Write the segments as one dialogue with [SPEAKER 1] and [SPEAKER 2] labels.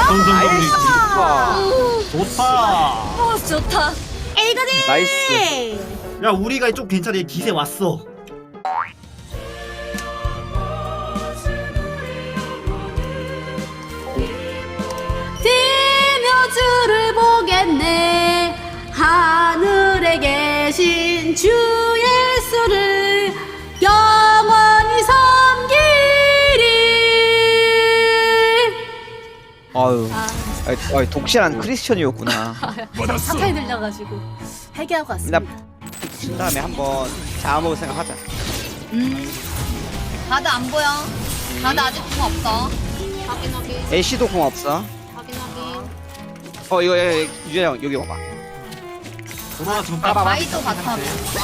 [SPEAKER 1] 전성경리
[SPEAKER 2] 좋다.
[SPEAKER 3] 좋다.
[SPEAKER 4] 에이거든.
[SPEAKER 5] 나이스.
[SPEAKER 2] 야 우리가 좀 괜찮아. 기세 왔어.
[SPEAKER 4] 대묘주를 보겠네. 하늘에 계신 주 예수를 영원히 섬기리.
[SPEAKER 5] 아유. 아유, 독실한 크리스천이었구나.
[SPEAKER 4] 사탄이 들려가지고 회개하고 왔습니다.
[SPEAKER 5] 그 다음에 한번 잡아먹을 생각하자.
[SPEAKER 3] 바드 안 보여. 바드 아직 공 없어.
[SPEAKER 4] 확인하기.
[SPEAKER 5] 애쉬도 공 없어.
[SPEAKER 4] 확인하기.
[SPEAKER 5] 이거 유재형 여기 와봐.
[SPEAKER 2] 도로라 지금 딱
[SPEAKER 3] 바이도 바텀.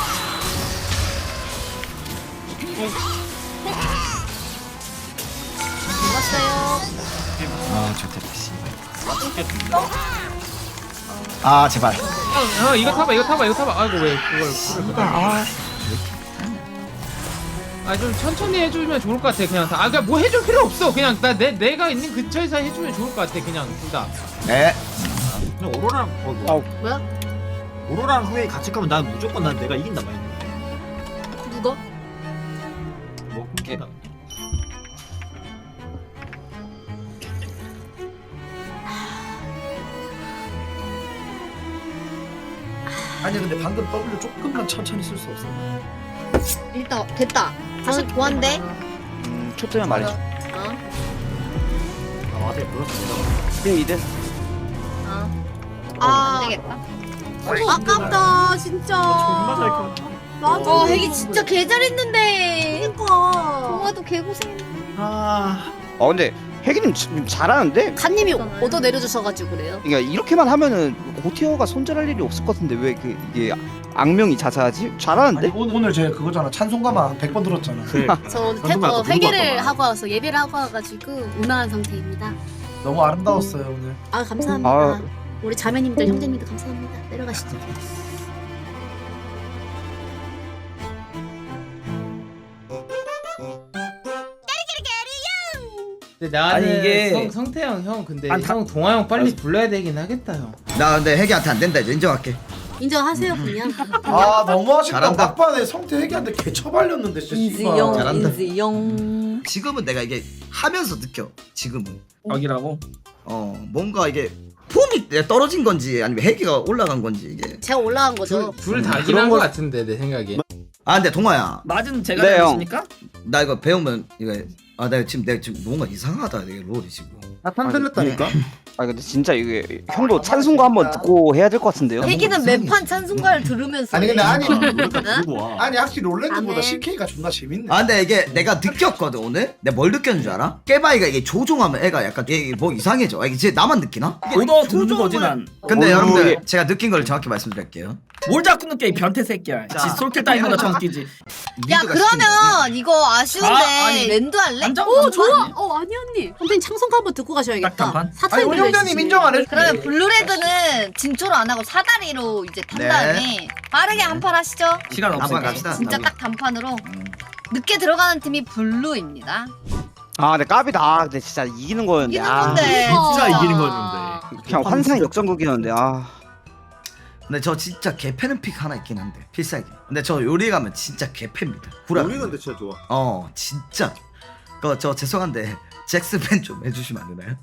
[SPEAKER 4] 죽었어요.
[SPEAKER 1] 아 좋겠다. 아 제발.
[SPEAKER 6] 이거 타봐 이거 타봐. 아이고 왜 그걸 좀 천천히 해주면 좋을 것 같아. 그냥 다. 그냥 뭐 해줄 필요 없어. 그냥 내가 있는 근처에서 해주면 좋을 것 같아. 그냥 둘 다.
[SPEAKER 1] 네.
[SPEAKER 2] 그냥 오로라랑
[SPEAKER 4] 뭐야?
[SPEAKER 2] 오로라랑 후웨이 같이 가면 난 무조건 난 내가 이긴다 마인드.
[SPEAKER 4] 누가?
[SPEAKER 2] 뭐 끊긴다.
[SPEAKER 7] 아니 근데 방금 W 조금만 천천히 쓸 수 없어.
[SPEAKER 3] 일단 됐다. 사실 보안돼.
[SPEAKER 5] 초점만 말해줘.
[SPEAKER 3] 어?
[SPEAKER 2] 아 맞아 몰랐어.
[SPEAKER 5] 1등 2등.
[SPEAKER 3] 안 되겠다.
[SPEAKER 4] 아깝다 진짜.
[SPEAKER 2] 존나 잘 컸.
[SPEAKER 4] 맞아.
[SPEAKER 3] 핵이 진짜 개 잘했는데.
[SPEAKER 4] 그니까.
[SPEAKER 3] 동아도 개고생.
[SPEAKER 2] 아
[SPEAKER 5] 근데 혜기님 지금 잘하는데?
[SPEAKER 4] 칸님이 얻어 내려주셔가지고 그래요.
[SPEAKER 5] 그러니까 이렇게만 하면은 고티어가 손절할 일이 없을 것 같은데 왜 이게 악명이 자자하지?
[SPEAKER 7] 아니
[SPEAKER 5] 잘하는데?
[SPEAKER 7] 오늘 제 그거잖아. 찬송가만 100번 들었잖아.
[SPEAKER 4] 저 오늘
[SPEAKER 2] 방금 아까
[SPEAKER 4] 회개를
[SPEAKER 2] 누구
[SPEAKER 4] 하고 와서 예배를 하고 와가지고 운운한 상태입니다.
[SPEAKER 7] 너무 아름다웠어요 오늘.
[SPEAKER 4] 아 감사합니다.
[SPEAKER 5] 아.
[SPEAKER 4] 우리 자매님들 형제님들 감사합니다. 내려가시죠.
[SPEAKER 6] 근데 나는
[SPEAKER 1] 아니, 이게-
[SPEAKER 6] 성태형 형 근데
[SPEAKER 1] 안
[SPEAKER 6] 형 동아 형 빨리 불러야 되긴 하겠다 형.
[SPEAKER 1] 나 근데 핵이한테 안 된다 이제 인정할게.
[SPEAKER 4] 인정하세요 그냥.
[SPEAKER 7] 아 너무 아쉽다.
[SPEAKER 1] 잘한다.
[SPEAKER 7] 막판에 성태 얘기한테 개처발렸는데 진짜. 씨발.
[SPEAKER 1] 잘한다.
[SPEAKER 3] 인지영.
[SPEAKER 1] 지금은 내가 이게 하면서 느껴. 지금은.
[SPEAKER 7] 여기라고?
[SPEAKER 1] 뭔가 이게 폼이 떨어진 건지 아니면 핵이가 올라간 건지 이게.
[SPEAKER 4] 제가 올라간 거죠.
[SPEAKER 6] 둘 다긴 한거 같은데 내 생각에.
[SPEAKER 1] 아 근데 동아야.
[SPEAKER 8] 맞은 제가
[SPEAKER 5] 네,
[SPEAKER 8] 잘못입니까?
[SPEAKER 1] 나 이거 배우면 이거 내가 지금 뭔가 이상하다 이게 롤이 지금.
[SPEAKER 7] 나탄 들렸다니까.
[SPEAKER 5] 근데 진짜 이게 형도 찬송가 한번 듣고 해야 될 것 같은데요?
[SPEAKER 3] 핵이는
[SPEAKER 1] 이상해.
[SPEAKER 3] 매판 찬송가를 들으면서.
[SPEAKER 7] 아니 근데 아니
[SPEAKER 2] 들고 와.
[SPEAKER 7] 아니 확실히 롤랜드보다
[SPEAKER 4] 아멘.
[SPEAKER 7] CK가 존나 재밌네.
[SPEAKER 1] 아 근데 이게 내가 느꼈거든 오늘. 내가 뭘 느꼈는 줄 알아? 깨바이가 이게 조종하면 애가 약간 이게 뭐 이상해져. 이게 진짜 나만 느끼나? 이게
[SPEAKER 8] 오더 듣는 거지 난.
[SPEAKER 1] 근데 여러분들
[SPEAKER 5] 이게-
[SPEAKER 1] 제가 느낀 걸 정확히 말씀드릴게요.
[SPEAKER 8] 뭘 자꾸 느껴 이 변태 새끼야.
[SPEAKER 1] 자.
[SPEAKER 8] 지 솔킬 따위보다 더 웃기지.
[SPEAKER 3] 야
[SPEAKER 1] 미드가
[SPEAKER 3] 그러면 이거 아쉬운데
[SPEAKER 8] 아니,
[SPEAKER 3] 랜드 할래?
[SPEAKER 8] 완전
[SPEAKER 4] 오
[SPEAKER 8] 완전
[SPEAKER 4] 좋아.
[SPEAKER 8] 아니야?
[SPEAKER 4] 아니 언니. 선생님 창송가 한번 듣고 가셔야겠다.
[SPEAKER 8] 딱 단판?
[SPEAKER 4] 사탄이
[SPEAKER 7] 아니 우리 형님 인정 안 해.
[SPEAKER 3] 그러면 블루레드는 진초로 안 하고 사다리로 이제 탄
[SPEAKER 1] 네.
[SPEAKER 3] 다음에 빠르게 한 판 하시죠.
[SPEAKER 8] 시간
[SPEAKER 1] 한번
[SPEAKER 8] 없으니까.
[SPEAKER 1] 갑시다.
[SPEAKER 3] 진짜 딱 단판으로 늦게 들어가는 팀이 블루입니다.
[SPEAKER 5] 근데 까비다. 근데 진짜 이기는 거였는데.
[SPEAKER 3] 이기는 건데
[SPEAKER 2] 진짜 이기는 거였는데.
[SPEAKER 5] 그냥 환상 역전극이었는데.
[SPEAKER 1] 근데 저 진짜 개패는 픽 하나 있긴 한데 필살기. 근데 저 요리 가면 진짜 개패입니다. 구라.
[SPEAKER 2] 우리 근데 진짜 좋아.
[SPEAKER 1] 진짜. 저 죄송한데 잭스팬 좀 해주시면 안 되나요?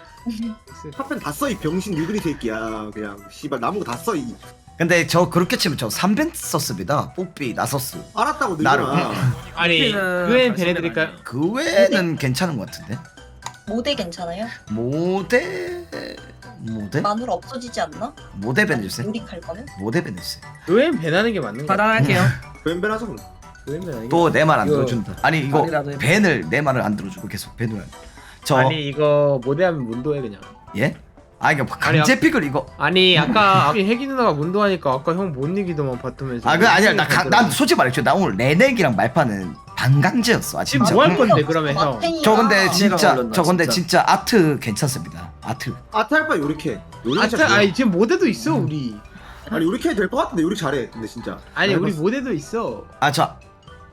[SPEAKER 2] 탑펜 다 써 이 병신 유그리 새끼야. 그냥 씨발 남은 거 다 써 이.
[SPEAKER 1] 근데 저 그렇게 치면 저 3벤 썼습니다. 뽀삐 나서스.
[SPEAKER 2] 알았다고
[SPEAKER 1] 나를.
[SPEAKER 2] 늘잖아.
[SPEAKER 6] 아니 그엔 배내드릴까요?
[SPEAKER 1] 그 외에는 괜찮은 것 같은데.
[SPEAKER 9] 모대 괜찮아요?
[SPEAKER 1] 모대
[SPEAKER 9] 마누라 없어지지 않나?
[SPEAKER 1] 모대 벤 해주세요.
[SPEAKER 9] 요리 갈 거면?
[SPEAKER 1] 모대 벤 해주세요.
[SPEAKER 6] 그엔 배나는 게 맞는 거야.
[SPEAKER 8] 차단할게요.
[SPEAKER 2] 벤벤하자 그럼.
[SPEAKER 6] 그엔 배나는 게.
[SPEAKER 1] 또 내 말 안
[SPEAKER 6] 이거-
[SPEAKER 1] 들어준다. 아니 이거
[SPEAKER 8] 말이라도 해봐.
[SPEAKER 1] 벤을 내 말을 안 들어주고 계속 벤을. 저
[SPEAKER 6] 아니 이거 모대하면 문도해 그냥.
[SPEAKER 1] 예? 이거 강제 픽을 이거.
[SPEAKER 6] 아니 아까 혜기 누나가 문도하니까 아까 형 못 이기더만 바텀에서.
[SPEAKER 1] 그 아니야 난 솔직히 말했죠. 나 오늘 레넥이랑 말파는 반강제였어.
[SPEAKER 6] 지금
[SPEAKER 1] 진짜.
[SPEAKER 6] 뭐 할 건데 그러면 형?
[SPEAKER 1] 저 근데 진짜
[SPEAKER 8] 걸렸나,
[SPEAKER 1] 저 근데
[SPEAKER 8] 진짜.
[SPEAKER 1] 진짜 아트 괜찮습니다. 아트.
[SPEAKER 2] 아탈파 요리케.
[SPEAKER 6] 아니 지금 모대도 있어 우리.
[SPEAKER 2] 아니 요리케 될 것 같은데 요리 잘해. 근데 진짜.
[SPEAKER 6] 아니 우리 모대도 있어.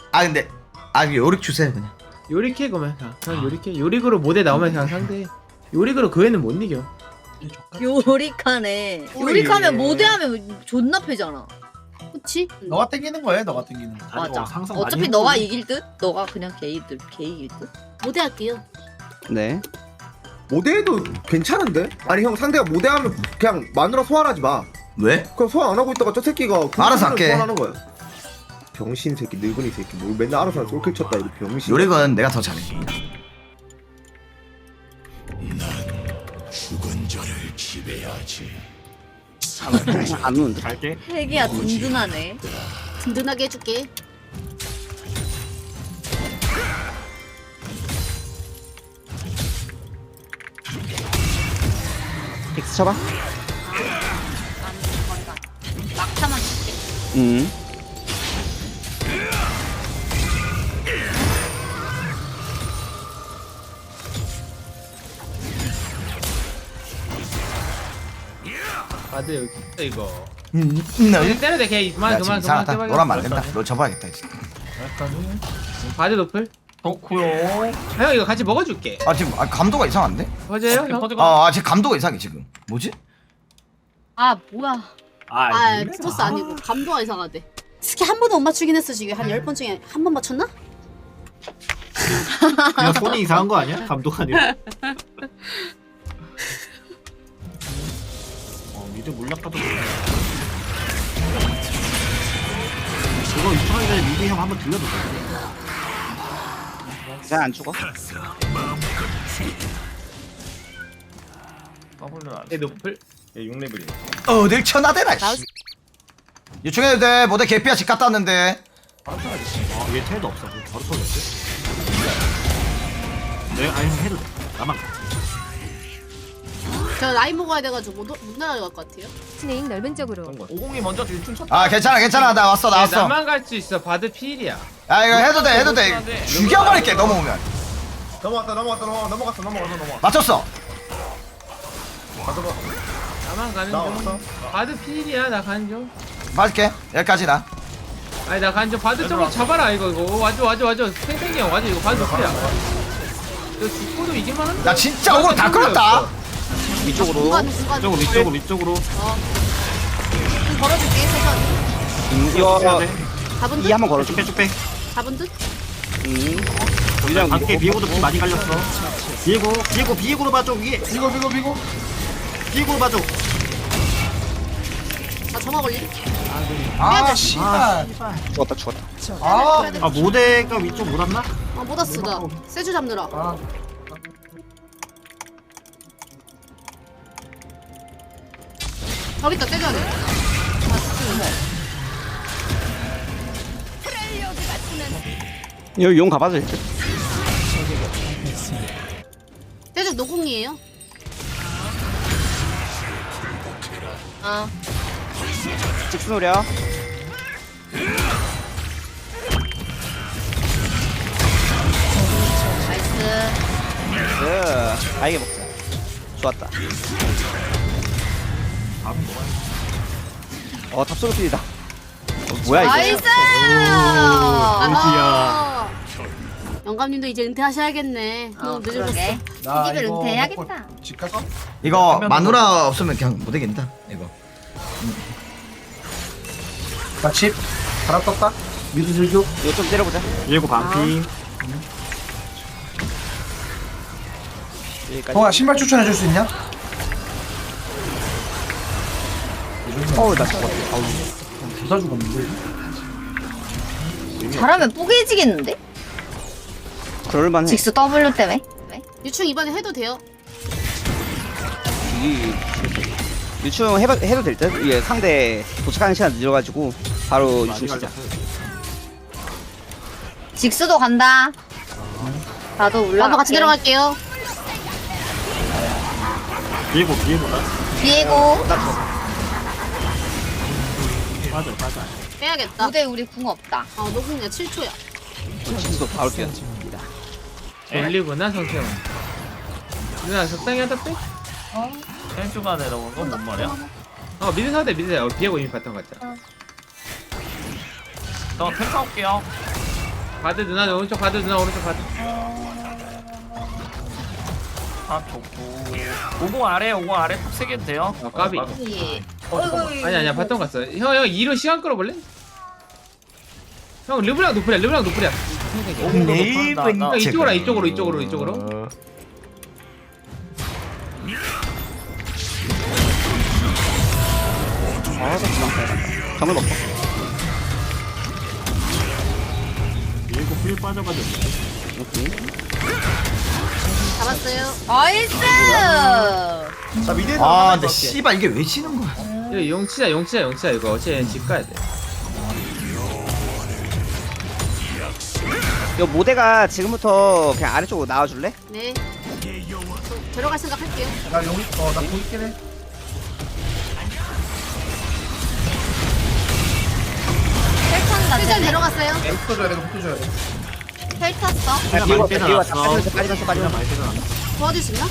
[SPEAKER 1] 근데 요릭 주세요 그냥.
[SPEAKER 6] 요리캐 그러면 형 요리캐 요릭으로 모대 나오면 그냥 상대. 요리그로 그 애는 못 이겨.
[SPEAKER 3] 요리카네. 요리카면 모대하면 존나 패잖아.
[SPEAKER 4] 그치?
[SPEAKER 7] 너가 땡기는 거야, 너가 땡기는 거.
[SPEAKER 3] 맞아.
[SPEAKER 2] 상상
[SPEAKER 3] 어차피 너가 이길 듯? 너가 그냥 개 이길 듯?
[SPEAKER 4] 모대할게요.
[SPEAKER 5] 네.
[SPEAKER 2] 모대해도 괜찮은데? 아니 형 상대가 모대하면 그냥 마누라 소환하지 마.
[SPEAKER 1] 왜?
[SPEAKER 2] 그럼 소환 안 하고 있다가 저 새끼가
[SPEAKER 1] 알아서 할게.
[SPEAKER 2] 소환하는 거야. 병신 새끼, 늙은이 새끼, 뭘 맨날 알아서 솔킬 쳤다 이거 병신.
[SPEAKER 1] 요리건 내가 더 잘해.
[SPEAKER 5] 안 오는데.
[SPEAKER 2] 갈게.
[SPEAKER 3] 핵이야 든든하네.
[SPEAKER 4] 든든하게 해줄게.
[SPEAKER 5] 엑스 쳐봐.
[SPEAKER 3] 막타만 줄게.
[SPEAKER 6] 바드 여기 있어 이거.
[SPEAKER 1] 나
[SPEAKER 6] 때려 돼 걔. 그만
[SPEAKER 1] 지금
[SPEAKER 6] 그만
[SPEAKER 1] 이상하다.
[SPEAKER 6] 그만.
[SPEAKER 1] 너라면 안 된다. 너 접어야겠다 이제.
[SPEAKER 6] 바드 노플.
[SPEAKER 7] 덕후요.
[SPEAKER 6] 형 이거 같이 먹어줄게.
[SPEAKER 1] 아 지금 감도가 이상한데?
[SPEAKER 6] 맞아요 형?
[SPEAKER 1] 지금 감도가 이상해 지금. 뭐지?
[SPEAKER 3] 아 뭐야.
[SPEAKER 4] 아, 프로스 아니고 감도가 이상하대. 스키 한 번도 못 맞추긴 했어 지금. 한 10번 중에 한 번 맞췄나?
[SPEAKER 2] 그냥 손이 이상한 거 아니야? 감독 아니야? 미드 물약가도 그거 이상하기 전에 미드 형 한번 들려도 돼.
[SPEAKER 5] 그냥 안 죽어.
[SPEAKER 6] 얘 노플.
[SPEAKER 2] 얘 6레벨이야.
[SPEAKER 1] 어딜 쳐나대라. 요청해도 돼. 모델 개피야 집 갔다 왔는데.
[SPEAKER 2] 얘 텔도 없어. 바로 쏘겠지? 내가 아니 해도 돼. 나만.
[SPEAKER 4] 저 라인 먹어야 돼가지고 못 나갈 것 같아요.
[SPEAKER 10] 진행 넓은 쪽으로.
[SPEAKER 7] 50이 먼저 일충 쳤다.
[SPEAKER 1] 아 괜찮아. 나 왔어.
[SPEAKER 6] 나만 갈 수 있어. 바드 필이야.
[SPEAKER 1] 아 이거 해도 돼. 죽여버릴게 넘어오면.
[SPEAKER 2] 넘어갔어.
[SPEAKER 1] 맞췄어.
[SPEAKER 6] 나만 가는 중. 바드 필이야. 나 가는 중.
[SPEAKER 1] 맞을게. 여기까지 나.
[SPEAKER 6] 아니 나 가는 중. 바드 저거 잡아라 이거. 와줘. 생생이 형 와줘. 이거 바드 노플이야. 너 죽고도 이기만 한다.
[SPEAKER 1] 나 진짜 오늘 다 끌었다.
[SPEAKER 5] 위쪽으로.
[SPEAKER 4] 중간.
[SPEAKER 2] 위쪽으로.
[SPEAKER 4] 좀 걸어줄게. 세션.
[SPEAKER 5] 이거
[SPEAKER 4] 잡은 듯?
[SPEAKER 5] 이 한번 걸어줘.
[SPEAKER 2] 쭉
[SPEAKER 4] 잡은 듯?
[SPEAKER 5] 유령
[SPEAKER 2] 밖에 비에고도 피 많이 갈렸어. 비에고로 봐줘 위에. 비에고로 봐줘.
[SPEAKER 4] 아 점화 걸리?
[SPEAKER 7] 아, 씨발.
[SPEAKER 5] 죽었다.
[SPEAKER 2] 아 모대가 위쪽 못 왔나?
[SPEAKER 4] 아 못 왔어 나. 세주 잡느라.
[SPEAKER 7] 아,
[SPEAKER 4] 저기 있다 떼줘야 돼.
[SPEAKER 5] 여기 용 가봐도 될 듯.
[SPEAKER 4] 떼줘 노공이에요.
[SPEAKER 3] 아
[SPEAKER 5] 직스 노려.
[SPEAKER 3] 나이스.
[SPEAKER 5] 아이게 먹자. 좋았다. 탑솔로 필이다. 뭐야 이거?
[SPEAKER 3] 나이스.
[SPEAKER 4] 아, 영감님도 이제 은퇴하셔야겠네. 너무 늦어졌어.
[SPEAKER 3] 그러게.
[SPEAKER 7] 나
[SPEAKER 3] TV를
[SPEAKER 7] 이거
[SPEAKER 3] 은퇴해야겠다.
[SPEAKER 7] 먹고 집 가서?
[SPEAKER 1] 이거 마누라 없으면 그냥 못 이긴다. 이거.
[SPEAKER 7] 나 집. 갈아 떴다. 미드 들교.
[SPEAKER 5] 이거 좀 때려보자.
[SPEAKER 2] 비에고 반피.
[SPEAKER 5] 여기까지.
[SPEAKER 7] 형아 신발 추천해줄 수 있냐?
[SPEAKER 5] 나 죽었다.
[SPEAKER 7] 부사 죽었는데.
[SPEAKER 3] 잘하면 뿌개지겠는데?
[SPEAKER 5] 그럴만해.
[SPEAKER 3] 직스 W 때문에?
[SPEAKER 4] 유충 이번에 해도 돼요.
[SPEAKER 5] 유충 해도 될 듯? 이게 상대 도착하는 시간 늦어가지고 바로 유충 치자.
[SPEAKER 3] 직스도 간다. 나도 올라갈게.
[SPEAKER 4] 나도 같이 내려갈게요.
[SPEAKER 2] 비에고다.
[SPEAKER 3] 비에고.
[SPEAKER 2] 맞아.
[SPEAKER 4] 빼야겠다.
[SPEAKER 3] 무대 우리 궁 없다.
[SPEAKER 4] 아 노공이야 7초야.
[SPEAKER 5] 직스도 바로 뛰었지.
[SPEAKER 6] 올리구나 성태형. 누나 적당히 하다 빼.
[SPEAKER 7] 땡큐가 내려온 건 뭔 말이야?
[SPEAKER 6] 미드 사대 비에고 이미 봤던 것 같아.
[SPEAKER 7] 저 탱크 올게요.
[SPEAKER 6] 바드 누나 오른쪽 바드 누나 오른쪽 바드.
[SPEAKER 8] 탑 좋고 50 아래 50 아래 탑 3개도 돼요?
[SPEAKER 6] 아 까비.
[SPEAKER 9] 예.
[SPEAKER 6] 아니 아니야 바텀 갔어. 형 이로 시간 끌어볼래? 형 르브랑 노플이야 르브랑 노플이야.
[SPEAKER 7] 네이븐
[SPEAKER 6] 형 이쪽으로.
[SPEAKER 5] 정말 먹고.
[SPEAKER 2] 비에고 풀 빠져가지고.
[SPEAKER 4] 잡았어요.
[SPEAKER 3] 나이스.
[SPEAKER 7] 자 미드
[SPEAKER 1] 아 근데 씨발 이게 왜 치는 거야
[SPEAKER 6] 이거 용치자 이거 어째 집 가야 돼.
[SPEAKER 5] 이 모대가 지금부터 그냥 아래쪽으로 나와줄래?
[SPEAKER 4] 네. 저 들어갈 생각 할게요.
[SPEAKER 7] 나 용이 나 보이긴 해.
[SPEAKER 3] 헬탄다.
[SPEAKER 4] 실전 내려갔어요.
[SPEAKER 7] 붙어줘야 돼 붙어줘야 돼.
[SPEAKER 3] 헬 탔어.
[SPEAKER 5] 야, 비고 빠지면서.
[SPEAKER 2] 많이 빼잖아.
[SPEAKER 4] 도와줄 수 있나?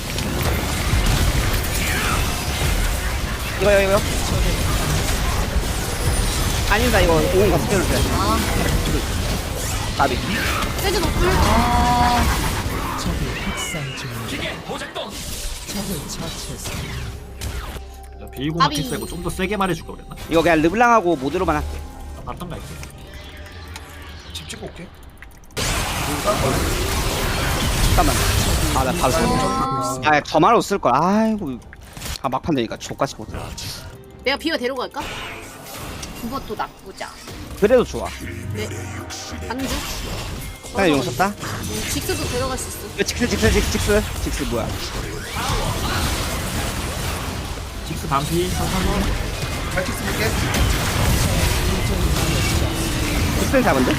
[SPEAKER 5] 이거. 아니다 이거 50 같이 빼도 돼. 나비.
[SPEAKER 4] 세즈 노플.
[SPEAKER 2] 비에고
[SPEAKER 4] 까비.
[SPEAKER 2] 마켓 빼고 좀 더 세게 말해줄 걸 그랬나?
[SPEAKER 5] 이거 그냥 르블랑하고 모드로만 할게.
[SPEAKER 2] 나 바텀 갈게.
[SPEAKER 7] 집 찍고 올게.
[SPEAKER 5] 잠깐만. 나 바로 써. 아, 저말로 쓸 걸. 아이고. 막판 되니까 족같이 못해.
[SPEAKER 4] 내가 비어 데리고 갈까?
[SPEAKER 3] 그것도 나쁘지 않아.
[SPEAKER 5] 그래도 좋아.
[SPEAKER 4] 네. 가는 중.
[SPEAKER 5] 그냥 용 썼다.
[SPEAKER 4] 직스도 데려갈 수 있어.
[SPEAKER 5] 이거 직스 뭐야?
[SPEAKER 2] 직스 반피 상상원.
[SPEAKER 7] 발킥 쓸게.
[SPEAKER 5] 직스 잡은데?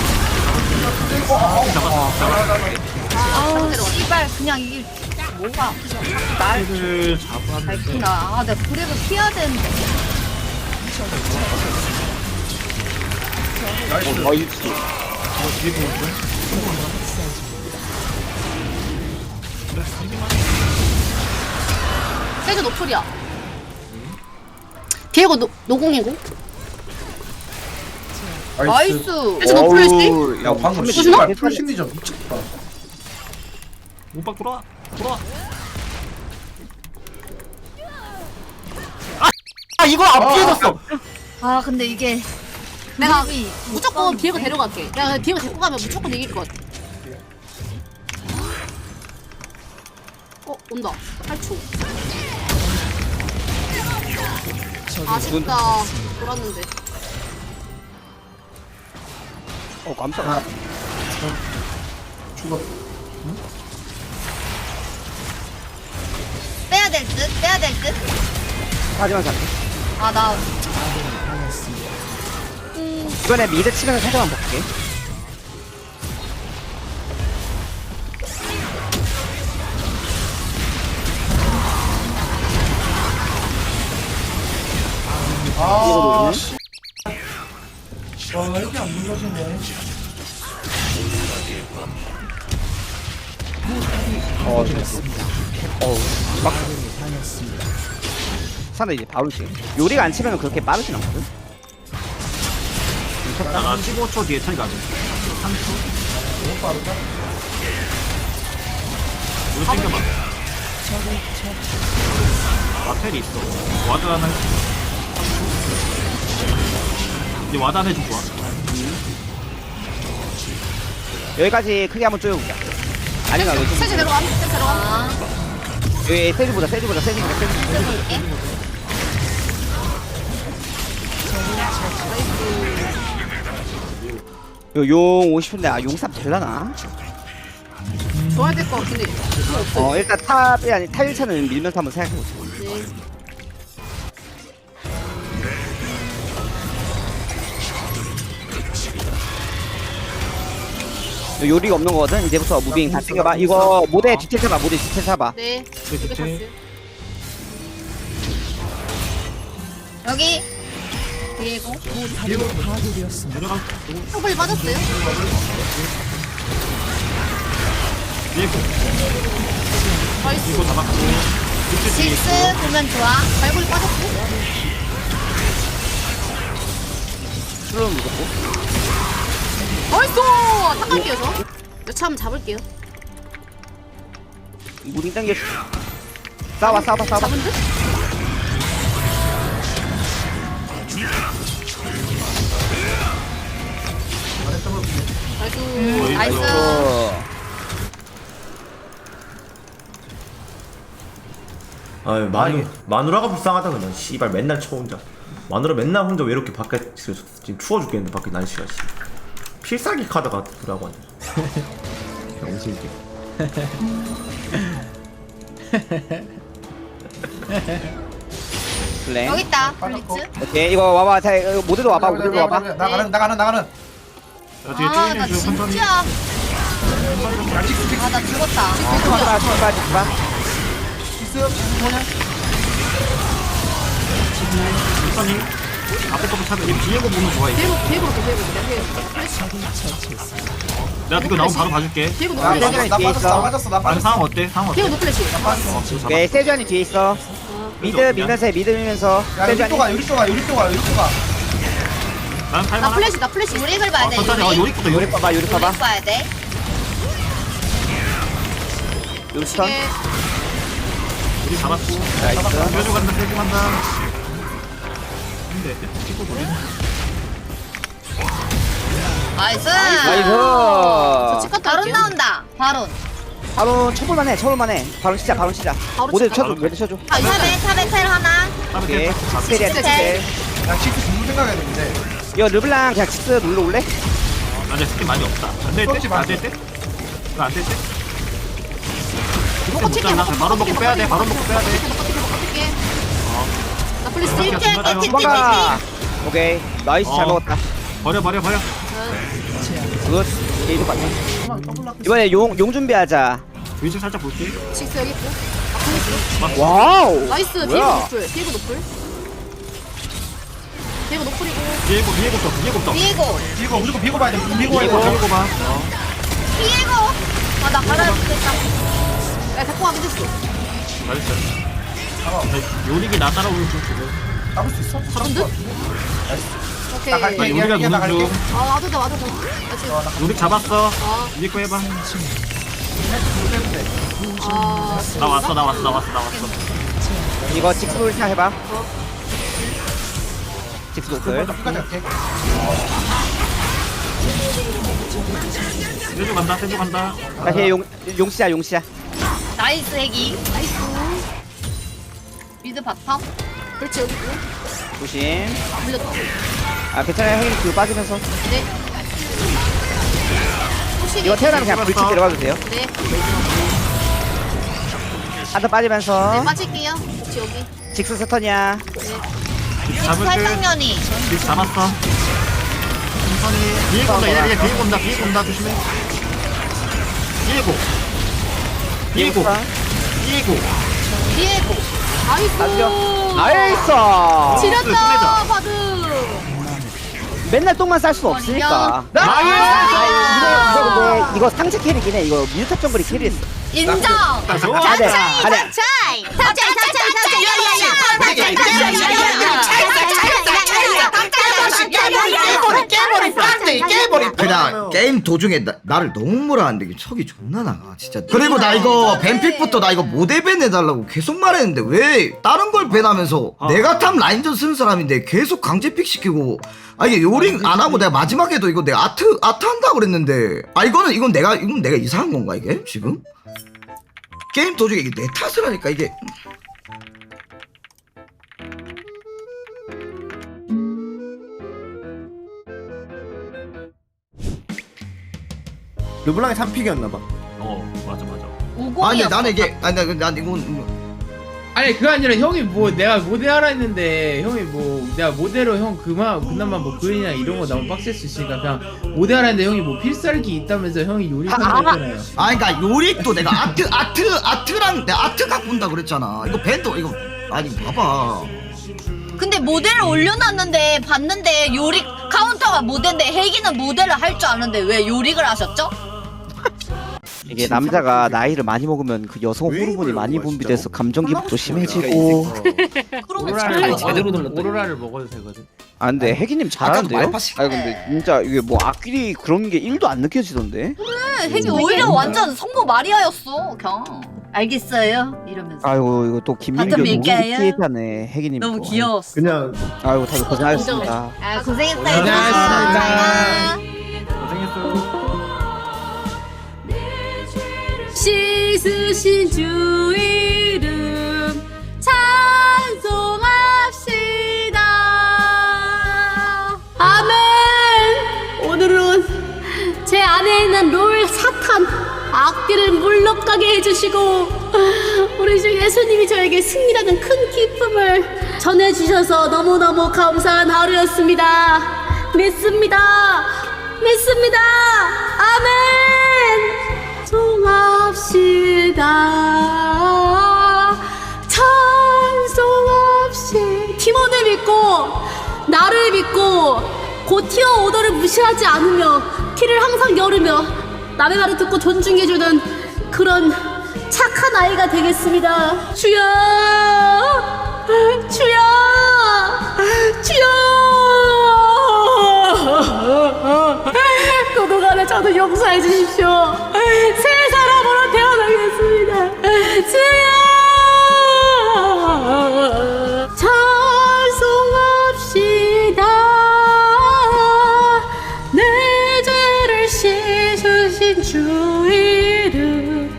[SPEAKER 3] 아우 씨발 그냥 이게 뭐가 날
[SPEAKER 2] 를 잡았는데.
[SPEAKER 3] 밝히나. 아 내가 그래도 피해야 되는데.
[SPEAKER 4] 세즈 노플이야. 비에고 노공이고.
[SPEAKER 3] 나이스.
[SPEAKER 4] 세즈 노플일지?
[SPEAKER 5] 야,
[SPEAKER 7] 방금
[SPEAKER 4] 무슨
[SPEAKER 7] 씨발 풀심리전 미쳤다.
[SPEAKER 2] 오빠 돌아와.
[SPEAKER 7] 이거 안 피해졌어.
[SPEAKER 3] 아 근데 이게
[SPEAKER 4] 내가
[SPEAKER 3] 그립이
[SPEAKER 4] 무조건
[SPEAKER 3] 못
[SPEAKER 4] 비에고
[SPEAKER 3] 가는데?
[SPEAKER 4] 데려갈게. 내가 비에고 데리고 가면 무조건 이길 것 같아. 온다. 8초. 아쉽다. 돌았는데.
[SPEAKER 5] 깜짝아.
[SPEAKER 7] 죽었.
[SPEAKER 3] 빼야 될 듯.
[SPEAKER 5] 하지만 잡게.
[SPEAKER 3] 아 나
[SPEAKER 5] 이번에 미드 치면서 살짝만 볼게.
[SPEAKER 7] 아 씨. 와 이게 안 눌러지네.
[SPEAKER 5] 사나 이제 바로 지. 요리가 안 치면 그렇게 빠르진 않거든.
[SPEAKER 2] 나 15초 뒤에 차이 나지. 3초.
[SPEAKER 7] 너무 빠르다.
[SPEAKER 2] 이거 땡겨봐. 마텔이 있어. 와드 하나 해줘. 3초. 이제 와드 하나 해주고 와.
[SPEAKER 5] 여기까지 크게 한번 쪼여볼게. 아니면 여기
[SPEAKER 4] 세즈 데려가. 세즈 데려가.
[SPEAKER 5] 여기 세즈보다. 용 50인데 용삽 될라나?
[SPEAKER 4] 좋아야 될 것 같긴 해.
[SPEAKER 5] 일단 탑이 아니 탑 1차는 밀면서 한번 생각해보자.
[SPEAKER 4] 네.
[SPEAKER 5] 요리가 없는 거거든. 이제부터 무빙 다 챙겨봐. 이거 모델 디테일 사봐.
[SPEAKER 4] 네.
[SPEAKER 2] 그치.
[SPEAKER 4] 이게 탔어요.
[SPEAKER 3] 여기 비에고
[SPEAKER 2] 내려가.
[SPEAKER 4] 턱을 빠졌어요.
[SPEAKER 2] 비에고.
[SPEAKER 4] 나이스.
[SPEAKER 2] 이거 잡았고.
[SPEAKER 3] 실스 보면 좋아.
[SPEAKER 4] 발골이 빠졌고.
[SPEAKER 5] 술로 무섭고.
[SPEAKER 4] 나이스! 탁 갈게요, 저. 여차 한번 잡을게요.
[SPEAKER 5] 무빙 당겨. 싸워.
[SPEAKER 4] 잡은 듯? 나이스.
[SPEAKER 10] 아유 마누라가 불쌍하다 그냥 씨발 맨날 쳐 혼자 마누라 맨날 혼자 외롭게 밖에 지금 추워 죽겠는데 밖에 날씨가 씨 필살기 카드가 들어가고 앉아
[SPEAKER 6] 병신기.
[SPEAKER 5] 블랭.
[SPEAKER 3] 여기 있다 블리츠.
[SPEAKER 5] 오케이 이거 와봐. 자 이거 모델로 와봐. 모델로 와봐.
[SPEAKER 7] 나가는.
[SPEAKER 2] 야 뒤에
[SPEAKER 3] 아
[SPEAKER 2] 쭈이님
[SPEAKER 3] 나
[SPEAKER 2] 지금 천천히.
[SPEAKER 3] 진짜 아 나 죽었다.
[SPEAKER 5] 봐.
[SPEAKER 2] 천천히. 앞에 것도 차도 얘 비에고 보면 좋아 이제.
[SPEAKER 4] 비에고
[SPEAKER 2] 내가 그거 나오면 바로 봐줄게.
[SPEAKER 4] 비에고
[SPEAKER 7] 나
[SPEAKER 4] 노플래시.
[SPEAKER 5] 뒤에 있어.
[SPEAKER 7] 빠졌어. 나
[SPEAKER 2] 아니
[SPEAKER 7] 빠졌어.
[SPEAKER 2] 상황 어때? 상황 어때?
[SPEAKER 4] 비에고 노플래시.
[SPEAKER 2] 잡아.
[SPEAKER 5] 오케이 세주안이 뒤에 있어. 미드 밀면서 해. 미드 밀면서.
[SPEAKER 7] 야,
[SPEAKER 5] 세주안이.
[SPEAKER 7] 요리 또 가.
[SPEAKER 2] 난
[SPEAKER 4] 나
[SPEAKER 2] 탈만한.
[SPEAKER 4] 플래시.
[SPEAKER 3] 요릭을 봐야 돼.
[SPEAKER 2] 천천히.
[SPEAKER 3] 요릭.
[SPEAKER 2] 요리부터
[SPEAKER 5] 요리
[SPEAKER 2] 요리.
[SPEAKER 5] 봐봐. 요리 봐봐.
[SPEAKER 3] 요릭 봐야 돼.
[SPEAKER 5] 요스턴.
[SPEAKER 2] 요리 잡았고.
[SPEAKER 5] 나이스.
[SPEAKER 2] 세주 간다. 세주 간다. 근데 피고 돌리.
[SPEAKER 3] 나이스.
[SPEAKER 5] 나이스.
[SPEAKER 4] 치카
[SPEAKER 3] 바론 나온다. 바론.
[SPEAKER 5] 바로 쳐볼만해. 바로 시작.
[SPEAKER 4] 바로
[SPEAKER 5] 모델
[SPEAKER 4] 시작.
[SPEAKER 5] 쳐줘. 모델 쳐줘.
[SPEAKER 3] 아, 탑에 텔 하나.
[SPEAKER 5] 오케이.
[SPEAKER 2] 잡았어.
[SPEAKER 5] 스텔이야 스텔.
[SPEAKER 7] 야, 칙스 공부 생각해야 되는데.
[SPEAKER 5] 이거 르블랑 그냥 직스 눌러 올래?
[SPEAKER 2] 나 이제 스킨 많이 없다. 안 될 때? 안 될 때? 이거 안 될 때?
[SPEAKER 4] 먹고 칠게.
[SPEAKER 2] 바로 먹고 빼야 돼. 바로 먹고 빼야 돼.
[SPEAKER 4] 나 플래시.
[SPEAKER 2] 칠게.
[SPEAKER 5] 도망가. 오케이. 나이스 잘 먹었다.
[SPEAKER 2] 버려.
[SPEAKER 5] 굿. 게이드 봤네. 이번에 용 준비하자.
[SPEAKER 2] 위치 살짝 볼게.
[SPEAKER 4] 칙스 여기 있고.
[SPEAKER 5] 와우.
[SPEAKER 4] 나이스. 비에고
[SPEAKER 5] 뭐야?
[SPEAKER 4] 노플. 비에고 노플이고.
[SPEAKER 2] 비에고부터.
[SPEAKER 3] 비에고.
[SPEAKER 7] 비고 무조건 비고 봐야 돼. 비고
[SPEAKER 5] 비고.
[SPEAKER 2] 봐.
[SPEAKER 3] 비에고. 아, 나 받아야겠다.
[SPEAKER 4] 야 데리고 가면 됐어.
[SPEAKER 2] 잘했어. 요리기 나 따라오는 중 지금.
[SPEAKER 7] 잡을 수 있어?
[SPEAKER 4] 잡은 듯? 오케이.
[SPEAKER 7] 나갈게.
[SPEAKER 2] 요리가
[SPEAKER 7] 얘 나갈게.
[SPEAKER 2] 무는 중.
[SPEAKER 4] 아 와도 돼. 나 지금.
[SPEAKER 2] 요리 잡았어.
[SPEAKER 4] 아.
[SPEAKER 2] 위에 거 해봐.
[SPEAKER 4] 아.
[SPEAKER 2] 나 왔어.
[SPEAKER 5] 이거 직스 돌차 해봐. 직스 노플.
[SPEAKER 7] 끝까지 갈게.
[SPEAKER 2] 세주 간다.
[SPEAKER 5] 다시 용시야.
[SPEAKER 3] 나이스 핵이. 나이스. 미드 바텀.
[SPEAKER 4] 그렇지 여기 있고.
[SPEAKER 5] 조심.
[SPEAKER 4] 물렸다.
[SPEAKER 5] 아 괜찮아요. 형님 뒤로 빠지면서.
[SPEAKER 4] 네. 혹시
[SPEAKER 5] 이거 태어나면 그냥 불치 들어가 주세요.
[SPEAKER 4] 네.
[SPEAKER 5] 한번 빠지면서.
[SPEAKER 4] 네 빠질게요. 혹시 여기.
[SPEAKER 5] 직스 스턴이야.
[SPEAKER 2] 잡을 때.
[SPEAKER 3] 살상면이.
[SPEAKER 2] 위치 잡았어. 천천히. 비에고 온다. 얘 비에고 온다. 조심해. 비에고.
[SPEAKER 3] 비에고.
[SPEAKER 4] 나이스.
[SPEAKER 5] 나이스.
[SPEAKER 4] 지렸다 바드.
[SPEAKER 5] 맨날 똥만 쌀 수 없으니까. 이거 상체 캐릭이네. 이거 미드탑 정글이 캐리했어.
[SPEAKER 3] 인정.
[SPEAKER 2] 좋아.
[SPEAKER 5] 가자.
[SPEAKER 3] 차이.
[SPEAKER 1] 그냥 게임 도중에 나를 너무 몰아하는데 이게 척이 존나 나가 진짜. 그리고 나 이거 밴픽부터 나 이거 모델 밴 해달라고 계속 말했는데 왜 다른 걸 밴하면서 내가 탑 라인전 쓰는 사람인데 계속 강제픽 시키고. 아 이게 요링 안 하고 내가 마지막에도 이거 내가 아트 한다고 그랬는데 아 이건 내가 이상한 건가 이게 지금? 게임 도중에 이게 내 탓을 하니까 이게.
[SPEAKER 10] 르블랑이 3픽이었나봐
[SPEAKER 2] 맞아.
[SPEAKER 1] 아니 나는 이게 난 이건
[SPEAKER 6] 아니 그게 아니라 형이 뭐 내가 모델하라 했는데 형이 뭐 내가 모델로 형 그나마 뭐 그린이나 이런 거 너무 빡셀 수 있으니까 그냥 모델하라 했는데 형이 뭐 필살기 있다면서 형이 요리한다고 했잖아요.
[SPEAKER 1] 아 그러니까 요릭도 내가 아트랑 내가 아트 갖고 온다 그랬잖아. 이거 밴도 이거 아니 봐봐.
[SPEAKER 3] 근데 모델을 올려놨는데 봤는데 요릭 카운터가 모델인데 혜기는 모델을 할 줄 아는데 왜 요릭을 하셨죠?
[SPEAKER 5] 이게 남자가 나이를 많이 먹으면 그 여성 호르몬이 많이 분비돼서 감정 기복도 심해지고.
[SPEAKER 6] 오로라를 먹어도 되거든.
[SPEAKER 5] 아 근데 혜기님 잘하는데요?
[SPEAKER 1] 아까도 말파시-
[SPEAKER 5] 아 근데 진짜 이게 뭐 악길이 그런 게 1도 안 느껴지던데?
[SPEAKER 3] 혜기 오히려 완전 성모 마리아였어 그냥. 알겠어요? 이러면서.
[SPEAKER 5] 아이고 이거 또 김민규
[SPEAKER 3] 바텀 밀게요.
[SPEAKER 5] 피해자네 혜기님.
[SPEAKER 3] 너무
[SPEAKER 5] 또.
[SPEAKER 3] 귀여웠어.
[SPEAKER 7] 그냥
[SPEAKER 5] 아이고 다들 고생하셨습니다.
[SPEAKER 3] 아 고생했어요.
[SPEAKER 6] 고생하셨습니다.
[SPEAKER 3] 잘 가.
[SPEAKER 7] 고생했어요.
[SPEAKER 4] 씻으신 주 이름 찬송합시다. 아멘. 오늘은 제 안에 있는 롤 사탄 악기를 물러가게 해주시고 우리 주 예수님이 저에게 승리라는 큰 기쁨을 전해주셔서 너무너무 감사한 하루였습니다. 믿습니다. 믿습니다. 아멘. 찬송합시다. 찬송합시다. 팀원을 믿고 나를 믿고 고티어 오더를 무시하지 않으며 키를 항상 열으며 남의 말을 듣고 존중해주는 그런 착한 아이가 되겠습니다. 주여 주여 주여. 그동안에 저도 용서해 주십시오. 새 사람으로 태어나겠습니다. 주여 찬송합시다. 내 죄를 씻으신 주 이름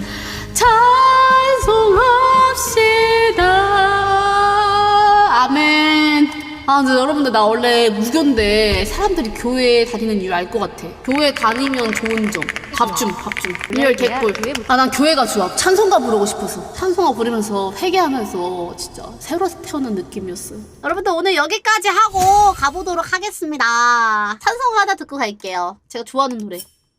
[SPEAKER 4] 찬송합시다. 아멘. 아 근데 여러분들 나 원래 무교인데 사람들이 교회 다니는 이유 알 것 같아. 교회 다니면 좋은 점. 밥줌. 리얼 개꿀. 아 난 교회가 좋아. 찬송가 부르고 싶어서. 찬송가 부르면서 회개하면서 진짜 새로 태어난 느낌이었어요. 여러분들 오늘 여기까지 하고 가보도록 하겠습니다. 찬송가 하나 듣고 갈게요. 제가 좋아하는 노래.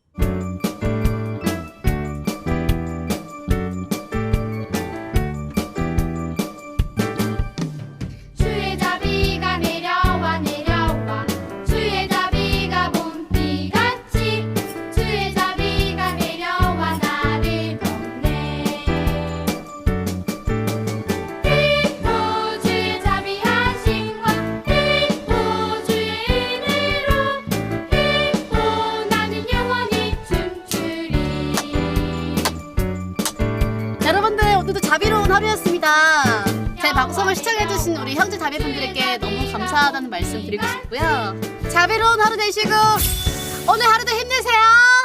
[SPEAKER 11] 주의 자비가 내려와 주의 자비가 봄비같이 주의 자비가 내려와 나를 돕네. 기뻐 주의 자비하심과 기뻐 주의 은혜로 기뻐 나는 영원히 춤추리.
[SPEAKER 4] 여러분들 오늘도 자비로운 하루였습니다. 제 방송을 시청해주신 우리 형제 자매분들에게 너무 감사하다는 말씀 드리고 싶고요. 자비로운 하루 되시고 오늘 하루도 힘내세요.